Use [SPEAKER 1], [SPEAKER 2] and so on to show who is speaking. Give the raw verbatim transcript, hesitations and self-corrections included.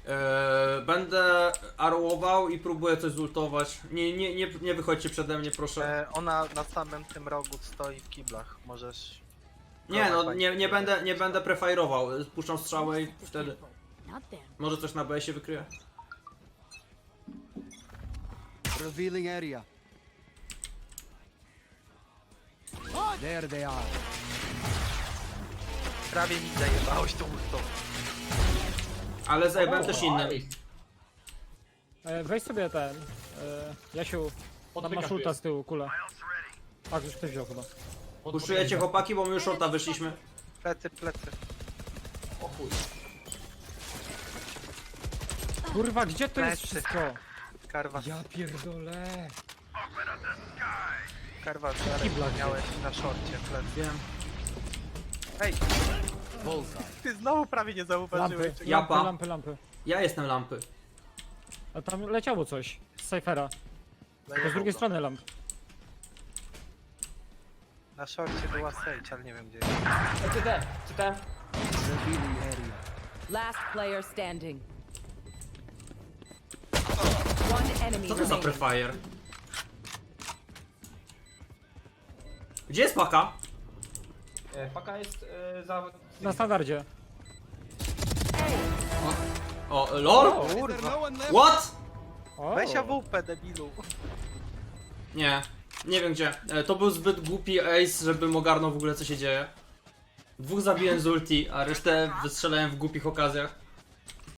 [SPEAKER 1] Eee, będę arłował i próbuję coś zultować. Nie, nie, nie, nie wychodźcie przede mnie, proszę.
[SPEAKER 2] E, ona na samym tym rogu stoi w kiblach. Możesz...
[SPEAKER 1] Nie no, nie, nie będę, nie będę prefajrował. Puszczam strzałę i wtedy
[SPEAKER 3] Not them.
[SPEAKER 1] może coś na B się wykryje.
[SPEAKER 4] Revealing area. There they are.
[SPEAKER 2] Prawie mi zajebałeś tą ultą.
[SPEAKER 1] Ale zajebałem też innym.
[SPEAKER 5] E, weź sobie ten. E, Jasiu, tam masz ulta z tyłu, kulę. Tak, już ktoś wziął chyba.
[SPEAKER 1] Puszczujecie chłopaki, bo my już shorta wyszliśmy.
[SPEAKER 2] Plecy, plecy.
[SPEAKER 6] O chuj.
[SPEAKER 5] Kurwa, gdzie to jest
[SPEAKER 2] Plecy.
[SPEAKER 5] wszystko?
[SPEAKER 2] Karwa,
[SPEAKER 5] Ja pierdolę.
[SPEAKER 2] karwa,
[SPEAKER 5] Kibla
[SPEAKER 2] zaraz miałeś na szorcie plecy.
[SPEAKER 1] Wiem.
[SPEAKER 2] Ej,
[SPEAKER 4] Bullseye.
[SPEAKER 2] ty znowu prawie nie zauważyłeś.
[SPEAKER 5] Lampy,
[SPEAKER 2] czego-
[SPEAKER 1] Japa.
[SPEAKER 5] lampy, lampy, lampy.
[SPEAKER 1] Ja jestem lampy.
[SPEAKER 5] A tam leciało coś z Cyphera. To
[SPEAKER 2] Zajebał
[SPEAKER 5] z drugiej
[SPEAKER 2] go.
[SPEAKER 5] strony lamp.
[SPEAKER 2] Na szorcie była Sage, ale nie wiem gdzie jest.
[SPEAKER 6] C T, C T.
[SPEAKER 4] Revealing area.
[SPEAKER 7] Last player standing. One enemy
[SPEAKER 1] Co to za
[SPEAKER 7] remaining.
[SPEAKER 1] prefire? Gdzie jest paka?
[SPEAKER 6] E, Paka jest e, za...
[SPEAKER 5] Na standardzie.
[SPEAKER 1] O, lol?
[SPEAKER 5] O,
[SPEAKER 4] Is there no one left?
[SPEAKER 1] What?
[SPEAKER 5] o.
[SPEAKER 2] Weź A W P, debilu.
[SPEAKER 1] Nie, nie wiem gdzie. E, To był zbyt głupi ace, żebym ogarnął w ogóle co się dzieje. Dwóch zabiłem z ulti, a resztę wystrzelałem w głupich okazjach.